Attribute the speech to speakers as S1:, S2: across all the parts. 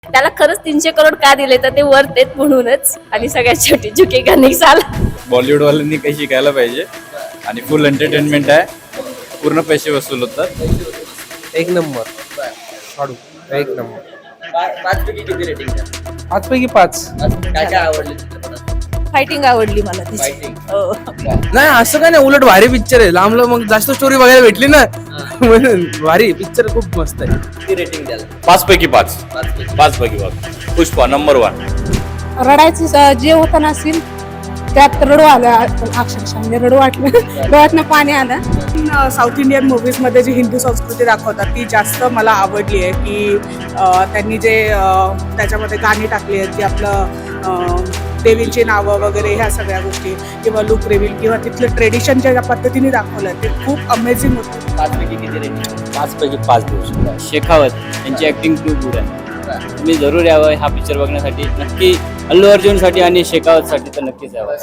S1: त्याला खरंच 300 करोड का दिले तर ते वर्थ आहेत म्हणूनच. आणि सगळ्यात शेवटी झुकेगा नहीं साला.
S2: बॉलिवूड वाल्यांनी काही शिकायला पाहिजे आणि फुल एंटरटेनमेंट आहे. पूर्ण पैसे वसूल होतात.
S3: एक नंबर काढू एक नंबर.
S4: 5 पैकी किती रेटिंग द्या?
S3: 5 पैकी 5.
S4: काय काय आवडलं चित्रपटात?
S1: फायटिंग आवडली मला तिची.
S4: फायटिंग
S1: हो.
S3: नाही असं काय नाही, उलट भारी पिक्चर आहे. लांब मग जास्त स्टोरी बघायला भेटली ना म्हणून भारी पिक्चर खूप मस्त आहे.
S4: किती रेटिंग द्याल?
S2: 5 पैकी 5.
S4: 5 पैकी.
S2: 5 पैकी 5. पुष्पा नंबर 1.
S5: रडायचं जे होतं ना सीन त्यात रडू आलं अक्षरशः, म्हणजे रडू वाटलं, डोळ्यातनं पाणी आलं.
S6: साऊथ इंडियन मूव्हीजमध्ये जी हिंदू संस्कृती दाखवतात ती जास्त मला आवडली आहे. की त्यांनी जे त्याच्यामध्ये गाणी टाकली आहेत की आपलं देवींची नावं वगैरे ह्या सगळ्या गोष्टी किंवा लुक रिव्हील किंवा तिथलं ट्रेडिशन ज्या पद्धतीने दाखवलं आहे ते खूप अमेझिंग होतं.
S4: 5 पैकी किती रेटिंग?
S2: 5 पैकी 5 देऊ शकतो. शेखावत यांची ऍक्टिंग खूप गुड आहे. तुम्ही जरूर यावं हा पिक्चर बघण्यासाठी. नक्की अल्लू अर्जुनसाठी आणि शेखावतसाठी तर नक्कीच यावं.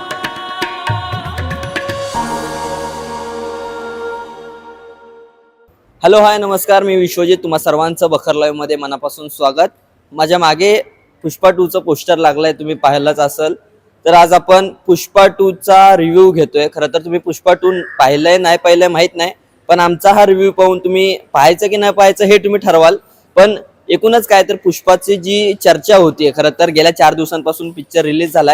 S4: हॅलो हाय नमस्कार, मी विश्वजित. तुम्हा सर्वांचं बखर लाईव्हमध्ये मनापासून स्वागत. माझ्या मागे पुष्पा 2चं पोस्टर लागलंय, तुम्ही पाहिलंच असेल. तर आज आपण पुष्पा 2चा रिव्ह्यू घेतोय. खरं तर तुम्ही पुष्पा 2 पाहिलंय नाही पाहिलंय माहित नाही, पण आमचा हा रिव्ह्यू पाहून तुम्ही पाहायचं की नाही पाहायचं हे तुम्ही ठरवाल. पण एकूणच काय तर पुष्पाची जी चर्चा होतीये, खरं तर गेल्या 4 दिवसांपासून पिक्चर रिलीज झालाय.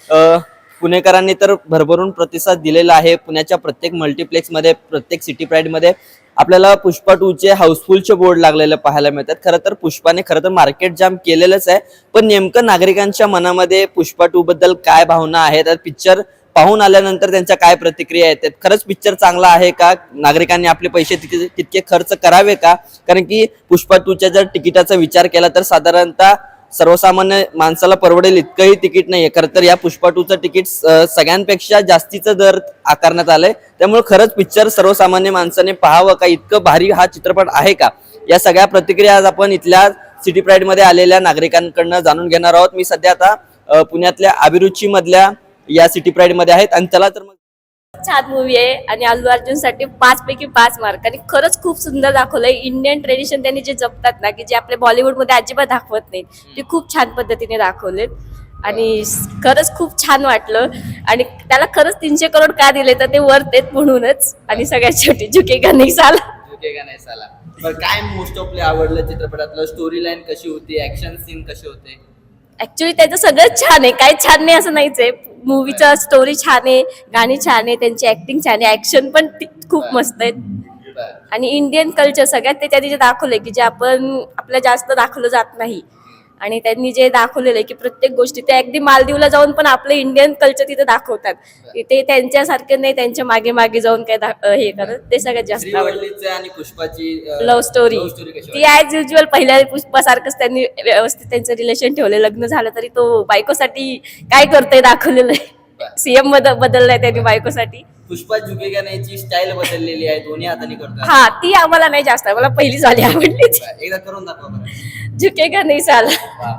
S4: पुणेकरांनी तर भरभरून प्रतिसाद दिलेला आहे. पुण्याच्या प्रत्येक मल्टिप्लेक्समध्ये, प्रत्येक सिटी प्राईडमध्ये आपल्याला पुष्पा 2चे हाऊसफुलचे बोर्ड लागलेले पाहायला मिळतात. खरं तर पुष्पाने खरं तर मार्केट जाम केलेलंच आहे, पण नेमकं नागरिकांच्या मनामध्ये पुष्पा 2 बद्दल काय भावना आहेत, पिक्चर पाहून आल्यानंतर त्यांच्या काय प्रतिक्रिया येतात, खरंच पिक्चर चांगला आहे का, नागरिकांनी आपले पैसे तितके खर्च करावे का. कारण की पुष्पा 2च्या जर तिकिटाचा विचार केला तर साधारणतः सर्वसामान्य माणसाला परवडेल इतकंही तिकीट नाहीये. खरं तर या पुष्पा 2चं तिकीट सगळ्यांपेक्षा जास्तीचं दर आकारण्यात आलंय. त्यामुळे खरंच पिक्चर सर्वसामान्य माणसाने पाहावं का, इतकं भारी हा चित्रपट आहे का, या सगळ्या प्रतिक्रिया आज आपण इथल्या सिटी प्राईड मध्ये आलेल्या नागरिकांकडनं जाणून घेणार आहोत. मी सध्या आता पुण्यातल्या अभिरुची मधल्या या सिटी प्राईड मध्ये आहेत आणि चला तर मग.
S1: छान मूवी आहे आणि अल्लू अर्जुन साठी 5 पैकी 5 मार्क. आणि खरंच खूप सुंदर दाखवलंय. इंडियन ट्रेडिशन त्यांनी जे जपतात ना, की जे आपल्या बॉलिवूड मध्ये अजिबात दाखवत नाहीत, ते खूप छान पद्धतीने दाखवलेत. आणि खरंच खूप छान वाटलं. आणि त्याला खरंच 300 करोड का दिले तर ते वर्थ आहेत म्हणूनच. आणि सगळ्यात शेवटी झुकेगा नहीं साला.
S4: झुकेगा नाही साला. पण काय मोस्ट ऑफली आवडलं चित्रपटातलं? स्टोरी लाईन कशी होती? ऍक्शन सीन कसे होते?
S1: ऍक्च्युली त्याचं सगळंच छान आहे, काही छान नाही असं नाहीच आहे. मूवीचं स्टोरी छान आहे, गाणी छान आहे, त्यांची ऍक्टिंग छान आहे, ऍक्शन पण खूप मस्त आहेत. आणि इंडियन कल्चर सगळ्यात ते त्यांनी जे दाखवलंय की जे आपल्या जास्त दाखवलं जात नाही. आणि त्यांनी जे दाखवलेलं आहे की प्रत्येक गोष्टी ते अगदी मालदीवला जाऊन पण आपलं इंडियन कल्चर तिथे दाखवतात. ते त्यांच्यासारखे नाही त्यांच्या मागे मागे जाऊन काय हे करत. ते सगळ्यात जास्त आवडलं.
S4: श्रीवल्लीचं आणि पुष्पाची
S1: लव्ह स्टोरी ती ऍज युजल पहिल्या पुष्पासारखंच त्यांनी व्यवस्थित त्यांचं रिलेशन ठेवले. लग्न झालं तरी तो बायकोसाठी काय करतोय दाखवलेलं आहे. सीएम बदललाय त्यांनी बायकोसाठी.
S4: पुष्पा झुकेगा नाहीची स्टाईल बदललेली आहे, दोन्ही हाताने करतात.
S1: हा, ती आम्हाला नाही जास्त, मला पहिली झाली आवडलीच.
S4: एकदा करून दाखवा बरं.
S1: झुकेगा नाही साला.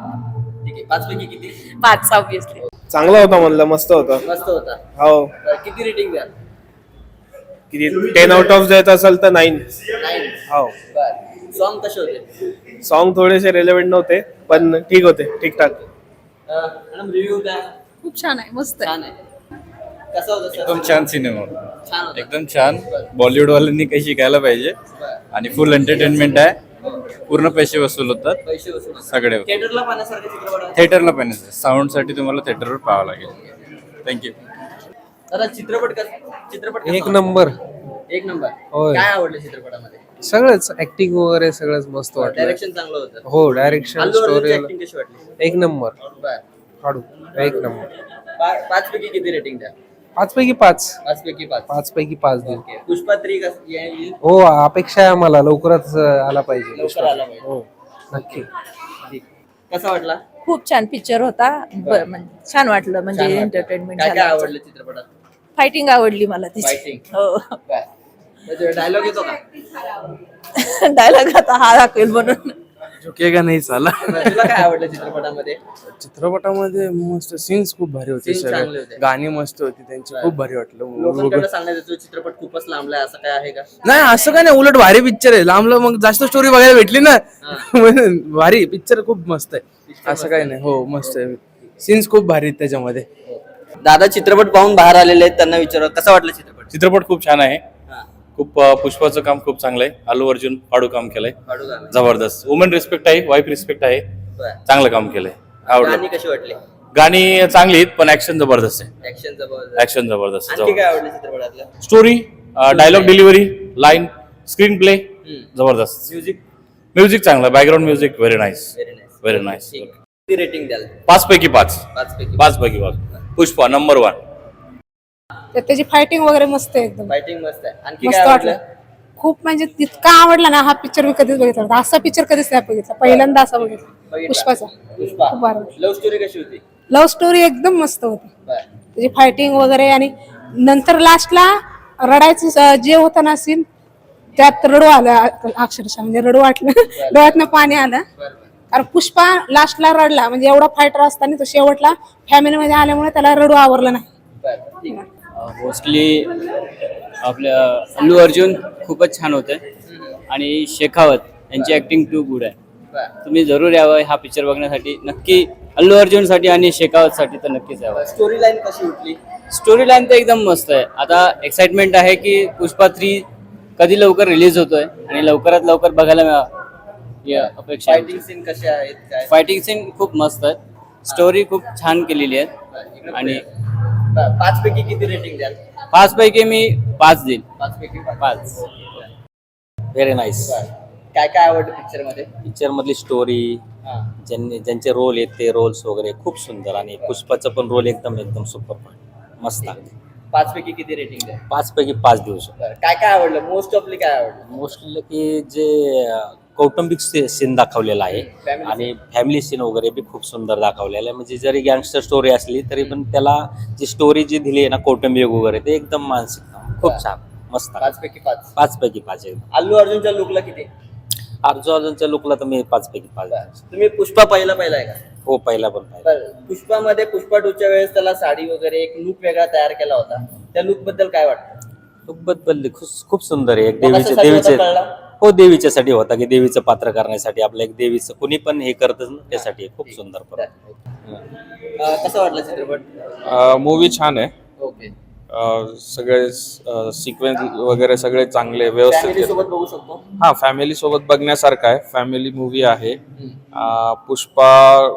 S4: ठीक आहे. 5 पैकी किती?
S1: 5 ऑब्विसली.
S3: चांगला होता म्हणलं, मस्त होता.
S4: मस्त होता.
S3: हो.
S4: किती रेटिंग द्या?
S3: किती 10 आउट ऑफ द्यायचं असेल तर 9.
S4: 9.
S3: हो.
S4: सॉन्ग कसे होते?
S3: सॉन्ग थोडेसे रेलेव्हेंट नव्हते पण ठीक होते, ठीकठाक.
S4: मॅडम रिव्ह्यू काय?
S5: खूप छान आहे, मस्त आहे.
S4: छान आहे. कसं होतं सर?
S2: एकदम छान सिनेमा.
S4: छान होतं.
S2: एकदम छान. बॉलिवूड वाल्यांनी काही शिकायला पाहिजे आणि फुल एंटरटेनमेंट आहे. पूर्ण पैसे वसूल होतात
S4: पैसे वसूल
S2: सगळे.
S4: थिएटरला पाहण्यासारखं चित्रपट आहे.
S2: थिएटरला पाहिजे. साऊंड साठी तुम्हाला थिएटरवर पाहावं लागेल. थँक्यू.
S4: दादा चित्रपट कसा
S3: एक नंबर.
S4: एक नंबर.
S3: होय.
S4: काय आवडलं चित्रपटामध्ये?
S3: सगळंच ऍक्टिंग वगैरे सगळंच मस्त वाटलं.
S4: डायरेक्शन चांगलं होतं.
S3: हो, डायरेक्शन,
S4: अल्लू
S3: स्टोरी
S4: अर्जुनची ऍक्टिंग कशी वाटली?
S3: एक नंबर.
S4: बर.
S3: काढू एक नंबर.
S4: 5 पैकी किती रेटिंग द्या?
S3: 5 पैकी 5.
S4: 5 पैकी 5.
S3: 5 पैकी 5 देऊ.
S4: ओके. पुष्पा 3 कसं येईल?
S3: हो, अपेक्षा आहे आम्हाला लवकरच आला पाहिजे.
S4: लवकर आला पाहिजे.
S3: हो, नक्की.
S4: ठीक. कसा वाटला?
S5: खूप छान पिक्चर होता. छान वाटलं, म्हणजे
S4: छान वाटलं.
S5: एंटरटेनमेंट
S4: काय काय
S5: झालं.
S4: आवडलं चित्रपटात?
S5: फायटिंग आवडली मला तिची.
S4: फायटिंग.
S5: हो.
S4: डायलॉग येतो का?
S5: डायलॉग आता हा दाखवेल म्हणून.
S3: रुकेगा नाही साला.
S4: तुला काय आवडलं चित्रपटामध्ये?
S3: चित्रपटामध्ये मस्त सीन्स खूप भारी होते
S4: Scenes चांगले होते.
S3: सगळे, गाणी मस्त होती त्यांची, खूप भारी वाटलं.
S4: लोकांकडे सांगण्यात येतो चित्रपट खूपच लांबलाय, असं काय आहे का?
S3: नाही असं काय नाही, उलट भारी पिक्चर आहे. लांबलं मग जास्त स्टोरी बघायला भेटली ना, म्हणून भारी पिक्चर खूप मस्त आहे. असं काही नाही, हो मस्त आहे. सीन्स खूप भारी आहेत त्याच्यामध्ये.
S4: दादा चित्रपट पाहून बाहेर आलेले आहेत, त्यांना विचारा कसा वाटला चित्रपट?
S7: चित्रपट खूप छान आहे.
S4: हा.
S7: खूप पुष्पाचं काम खूप चांगलं आहे. अल्लू अर्जुन फाडू काम केलंय,
S4: वाढू लागलं.
S7: जबरदस्त. वुमन रिस्पेक्ट आहे, वाईफ रिस्पेक्ट आहे,
S4: बरं.
S7: चांगलं काम केलंय, आवडलं.
S4: गाणी कशी वाटली?
S7: गाणी चांगली आहेत पण ऍक्शन जबरदस्त आहे.
S4: ऍक्शन जबरदस्त.
S7: ऍक्शन जबरदस्त.
S4: आणखी काय आवडलं चित्रपटातलं?
S7: Story, dialogue delivery, line, screenplay जबरदस्त.
S4: म्युझिक
S7: म्युझिक चांगलं, background music very nice,
S4: very nice.
S7: Very nice.
S4: किती रेटिंग द्याल?
S7: 5 पैकी 5.
S4: 5 पैकी
S7: 5 पैकी 5. पुष्पा नंबर 1.
S5: तर त्याची फायटिंग वगैरे मस्त आहे एकदम.
S4: फायटिंग मस्त आहे. आणखी
S5: मस्त
S4: काय
S5: वाटलं.
S4: आवडलं?
S5: खूप म्हणजे इतका आवडला ना हा पिक्चर मी कधीच बघितला नव्हता. असा पिक्चर कधीच नाही बघितला, पहिल्यांदा असा बघितला
S4: बघितला.
S5: पुष्पाचा.
S4: पुष्पा
S5: खूप भारी वाटलं.
S4: लव्ह स्टोरी कशी होती?
S5: लव्ह स्टोरी एकदम मस्त होती.
S4: बरं.
S5: त्याची फायटिंग वगैरे, आणि नंतर लास्टला रडायचं जे होतं ना सीन, त्यात रडू आलं अक्षरशः, म्हणजे रडू वाटलं. डोळ्यातनं पाणी आलं. कारण पुष्पा लास्टला रडला, म्हणजे एवढा फायटर असताना तो शेवटला फॅमिलीमध्ये आल्यामुळे त्याला रडू आवरलं नाही.
S4: बरं, ठीक आहे.
S2: मोस्टली आपल्या अल्लू अर्जुन खूपच छान होते आणि शेखावत यांची ऍक्टिंग टू गुड आहे.
S4: बरं.
S2: तुम्ही जरूर यावं हा पिक्चर बघण्यासाठी. नक्की अल्लू अर्जुनसाठी आणि शेखावतसाठी तर नक्कीच यावं.
S4: स्टोरी लाईन कशी उठली?
S2: स्टोरी लाईन तर एकदम मस्त आहे. आता एक्साइटमेंट आहे की पुष्पा 3 कधी लवकर रिलीज होतोय आणि लवकरात लवकर बघायला मिळावं या अपेक्षा आहे.
S4: फायटिंग सीन कसे आहेत काय?
S2: फायटिंग सीन खूप मस्त आहेत, स्टोरी खूप छान केलेली आहे आणि
S4: 5 पैकी किती रेटिंग द्याल?
S2: 5 पैकी मी 5 देईन.
S4: 5 पैकी
S2: 5.
S8: Very nice.
S4: काय काय आवडलं पिक्चर मध्ये?
S8: पिक्चर मधली स्टोरी, ज्यांचे रोल आहेत ते रोल्स वगैरे खूप सुंदर, आणि पुष्पाचं पण रोल एकदम एकदम सुपर मस्त आहे.
S4: 5 पैकी किती रेटिंग द्याल?
S8: 5 पैकी 5 देऊ शकतो.
S4: बरं. काय काय आवडलं? मोस्ट ऑफली काय आवडलं?
S8: मोस्टली की जे कौटुंबिक सीन दाखवलेला आहे
S4: Family
S8: आणि फॅमिली सीन वगैरे बी खूप सुंदर दाखवलेला आहे. म्हणजे जरी गँगस्टर स्टोरी असली तरी पण त्याला जी स्टोरी जी दिली आहे ना कौटुंबिक वगैरे, ते एकदम मानसिक खूप छान मस्त.
S4: 5 पैकी 5.
S8: 5 पैकी 5 आहे.
S4: अल्लू अर्जुनच्या लुकला किती?
S8: अर्जुनच्या लुकला तर मी 5 पैकी 5 आहे.
S4: तुम्ही पुष्पा पाहिलाय का?
S8: हो, पहिला पण पाहिजे.
S4: बरं. पुष्पामध्ये पुष्पा 2च्या वेळेस त्याला साडी वगैरे एक लुक वेगळा तयार केला होता. त्या लुक बद्दल काय वाटतं?
S8: लुक बदलली, खूप सुंदर आहे. एक
S4: कशासाठी होता
S8: देवीचे
S4: कळला?
S8: हो, देवीच्यासाठी होता की देवीचं पात्र करण्यासाठी, आपलं एक देवीचं कुणी पण हे करतं ना, त्यासाठी खूप सुंदर.
S4: कसं वाटलं चित्रपट?
S9: मूवी छान आहे.
S4: ओके.
S9: सगळे सिक्वेन्स वगैरे सगळे चांगले व्यवस्थित
S4: फॅमिली
S9: केले.
S4: सोबत बघू शकतो.
S9: हा, फॅमिली सोबत बघण्यासारखा आहे. फॅमिली मूवी आहे. पुष्पा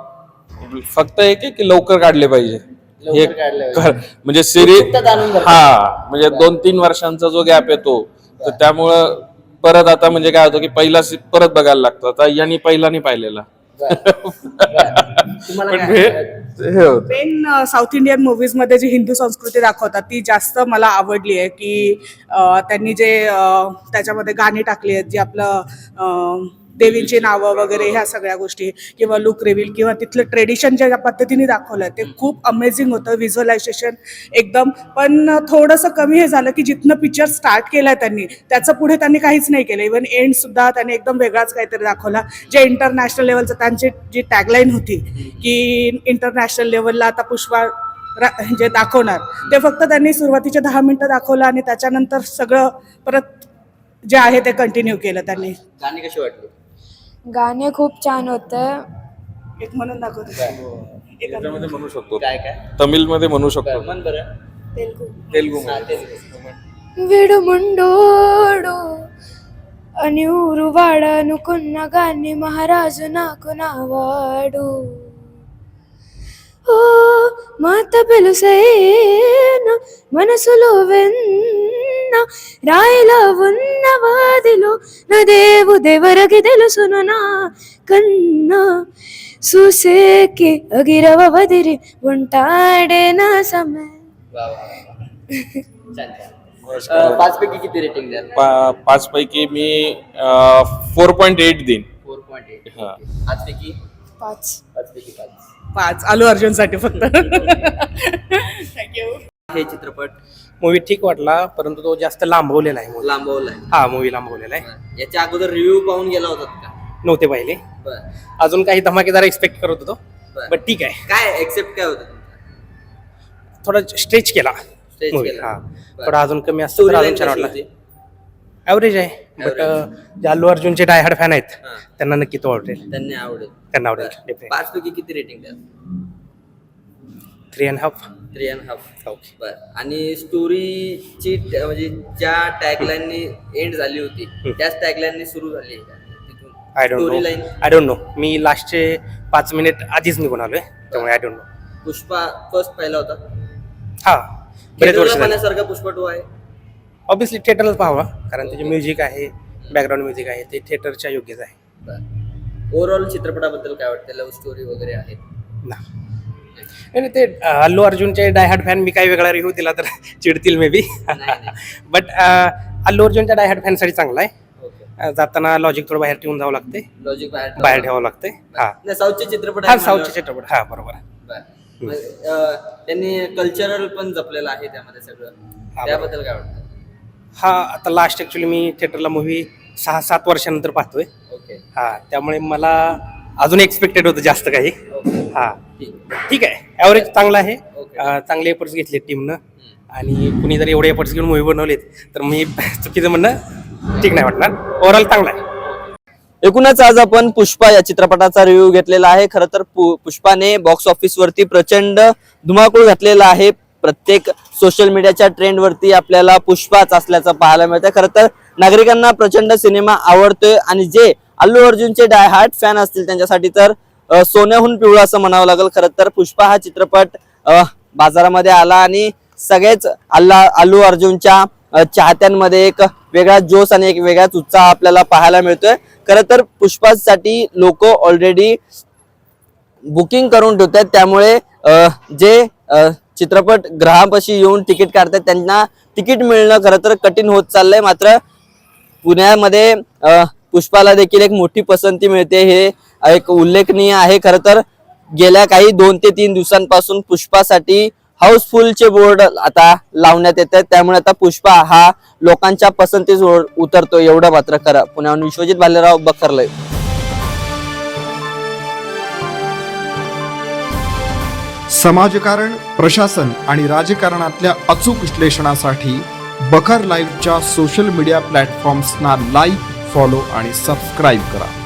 S9: फक्त एक आहे की लवकर काढले पाहिजे. हे
S4: लवकर काढलं पाहिजे.
S9: म्हणजे सिरीज,
S4: उत्सुकता जाणून घ्या.
S9: हा म्हणजे 2-3 वर्षांचा जो गॅप येतो, तर त्यामुळं परत आता म्हणजे काय होतं की पहिला परत बघायला लागतं. आता यांनी पहिला नाही पाहिलेला.
S4: तुम्हाला
S9: पण
S4: काय
S9: हे होतं.
S6: मेन साऊथ इंडियन मूवीज मध्ये जी हिंदू संस्कृती दाखवतात ती जास्त मला आवडली आहे. की त्यांनी जे त्याच्यामध्ये गाणी टाकली आहेत, जी आपलं देवींची नावं वगैरे ह्या सगळ्या गोष्टी, किंवा लुक रिव्हील, किंवा तिथलं ट्रेडिशन ज्या पद्धतीने दाखवलं ते खूप अमेझिंग होतं. व्हिज्युअलायझेशन एकदम. पण थोडंसं कमी हे झालं की जिथनं पिक्चर स्टार्ट केलाय त्यांनी, त्याचं पुढे त्यांनी काहीच नाही केलं. इव्हन एंड सुद्धा त्यांनी एकदम वेगळाच काहीतरी दाखवला. जे इंटरनॅशनल लेवलचं त्यांची जी टॅगलाईन होती की इंटरनॅशनल लेवलला आता पुष्पा जे दाखवणार, ते फक्त त्यांनी सुरुवातीचे 10 मिनिटं दाखवलं आणि त्याच्यानंतर सगळं परत जे आहे ते कंटिन्यू केलं त्यांनी.
S4: गाणी कशी वाटली?
S10: गाणे खूप छान होतं.
S6: एक म्हणून दाखवतो.
S9: याच्यामध्ये म्हणू शकतो,
S4: काय काय?
S9: तमिळ मध्ये म्हणू शकतो,
S4: मन बरं.
S9: तेलुगू
S4: हा,
S9: मध्ये.
S4: तेलुगू.
S10: విడుముండోడు అని ఊరు వాడనుకున్న గాన్ని మహారాజు నాకు నావాడు. ఓ మాత పెలుసైన మనసులో వెన్న రాయిలా ఉన్న వాదిలో నా దేవుదెవరికి తెలుసును నా కన్నా చూసేకి అగిరవ వదిరి ఉంటాడే నా సమయ.
S4: वा, वा, वा. छान छान. 5 पैकी किती रेटिंग द्याल?
S9: 5 पैकी मी 4.8 देईन.
S4: 4.8.
S9: हा.
S4: 5 पैकी
S10: 5
S4: 5 पैकी 5.
S6: 5 अल्लू अर्जुन साठी फक्त. थँक्यू.
S4: हे चित्रपट
S3: मूवी ठीक वाटला, परंतु तो जास्त लांबवलेला आहे.
S4: लांबवलाय.
S3: हा, मूवी लांबवलेला आहे.
S4: याच्या अगोदर रिव्ह्यू पाहून गेला होतात का?
S11: नव्हते पाहिले. अजून काही धमाकेदार एक्सपेक्ट करत होतो, बट ठीक आहे.
S4: काय एक्सेप्ट काय होतं?
S11: थोडा स्ट्रेच केला
S4: Stretch
S11: movie.
S4: केला.
S11: हा थोडा अजून कमी असतो तर अजून छान वाटला. ॲव्हरेज आहे, बट जे अल्लू अर्जुनचे डायहार्ड फॅन आहेत त्यांना नक्की तो आवडेल.
S4: त्यांना आवडेल.
S11: त्यांना आवडेल डेफिनेटली.
S4: 5 पैकी किती रेटिंग द्याल?
S11: 3.5.
S4: 3.5.
S11: ओके.
S4: बरं. आणि स्टोरीची म्हणजे ज्या टॅगलाईननी एंड झाली होती त्याच टॅगलाईननी सुरू झाली आहे का? तिथून
S11: आय डोंट नो. मी लास्टचे 5 मिनिट आधीच निघून आलोय, त्यामुळे I don't know.
S4: Pushpa first पाहिला होता?
S11: हा, बरेच वर्ष झाले.
S4: पाहण्यासारखा पुष्पा 2 आहे?
S11: ऑब्विसली थिएटरलाच पाहावा, कारण त्याचे म्युझिक आहे, बॅकग्राऊंड म्युझिक आहे, ते थिएटरच्या योग्यच आहे.
S4: ओव्हरऑल चित्रपटाबद्दल काय वाटतं? लव्ह स्टोरी वगैरे आहे
S11: ना. नाही ते अल्लू अर्जुनचे डायहार्ड फॅन मी काही वेगळा रिव्ह्यू दिला तर चिडतील मे बी, बट अल्लू अर्जुनच्या डायहार्ड फॅनसाठी चांगला आहे. जाताना लॉजिक थोडं बाहेर ठेवून जावं लागते,
S4: लॉजिक
S11: बाहेर ठेवावं लागते. हा,
S4: साऊथचे चित्रपट
S11: हा साऊथचे चित्रपट, हा बरोबर.
S4: त्यांनी कल्चरल पण जपलेलं आहे त्यामध्ये सगळं, त्याबद्दल काय वाटतं?
S11: हा, आता लास्ट ऍक्च्युली मी थिएटरला मूवी 6-7 वर्षानंतर पाहतोय.
S4: ओके.
S11: हा, त्यामुळे मला अजून एक्सपेक्टेड होतं जास्त काही. हा, ठीक आहे, ॲव्हरेज चांगला आहे. चांगले एफर्ट्स घेतले टीमनं, आणि कुणी जर एवढे एफर्ट्स घेऊन मूवी बनवलेत तर मी चुकीचं म्हणणं ठीक नाही वाटणार. ओव्हरऑल चांगला आहे.
S4: एकूणच आज आपण पुष्पा या चित्रपटाचा रिव्ह्यू घेतलेला आहे. खरं तर पुष्पाने बॉक्स ऑफिस वरती प्रचंड धुमाकूळ घातलेला आहे. प्रत्येक सोशल मीडियाच्या ट्रेंड वरती आपल्याला पुष्पाच असल्याचं पाहायला मिळतं. खरं तर नागरिकांना प्रचंड सिनेमा आवडतोय, आणि जे अल्लू अर्जुनचे डायहार्ड फॅन असतील त्यांच्यासाठी तर सोन्याहून पिवळं असं म्हणावं लागेल. खरं तर पुष्पा हा चित्रपट बाजारामध्ये आला आणि सगळेच अल्लू अर्जुनच्या चाहत्यांमध्ये एक वेगळा जोश आणि एक वेगळाच उत्साह आपल्याला पाहायला मिळतोय. खरं तर पुष्पासाठी लोक ऑलरेडी बुकिंग करून ठेवतात, त्यामुळे जे चित्रपट ग्रहापाशी येऊन तिकीट काढतात त्यांना तिकीट मिळणं खरं तर कठीण होत चाललंय. मात्र पुण्यामध्ये पुष्पाला देखील एक मोठी पसंती मिळते, हे एक उल्लेखनीय आहे. खरं तर गेल्या काही 2 ते 3 दिवसांपासून पुष्पासाठी हाऊसफुलचे बोर्ड आता लावण्यात येत आहेत, त्यामुळे आता पुष्पा हा लोकांच्या पसंतीस उतरतो, एवढं मात्र खरं. पुण्याहून विश्वजित भालेराव, बखरलय.
S12: समाजकारण, प्रशासन आणि राजकारणातल्या अचूक विश्लेषणासाठी बखर लाईव्हच्या सोशल मीडिया प्लॅटफॉर्म्सना लाईक, फॉलो आणि सबस्क्राईब करा.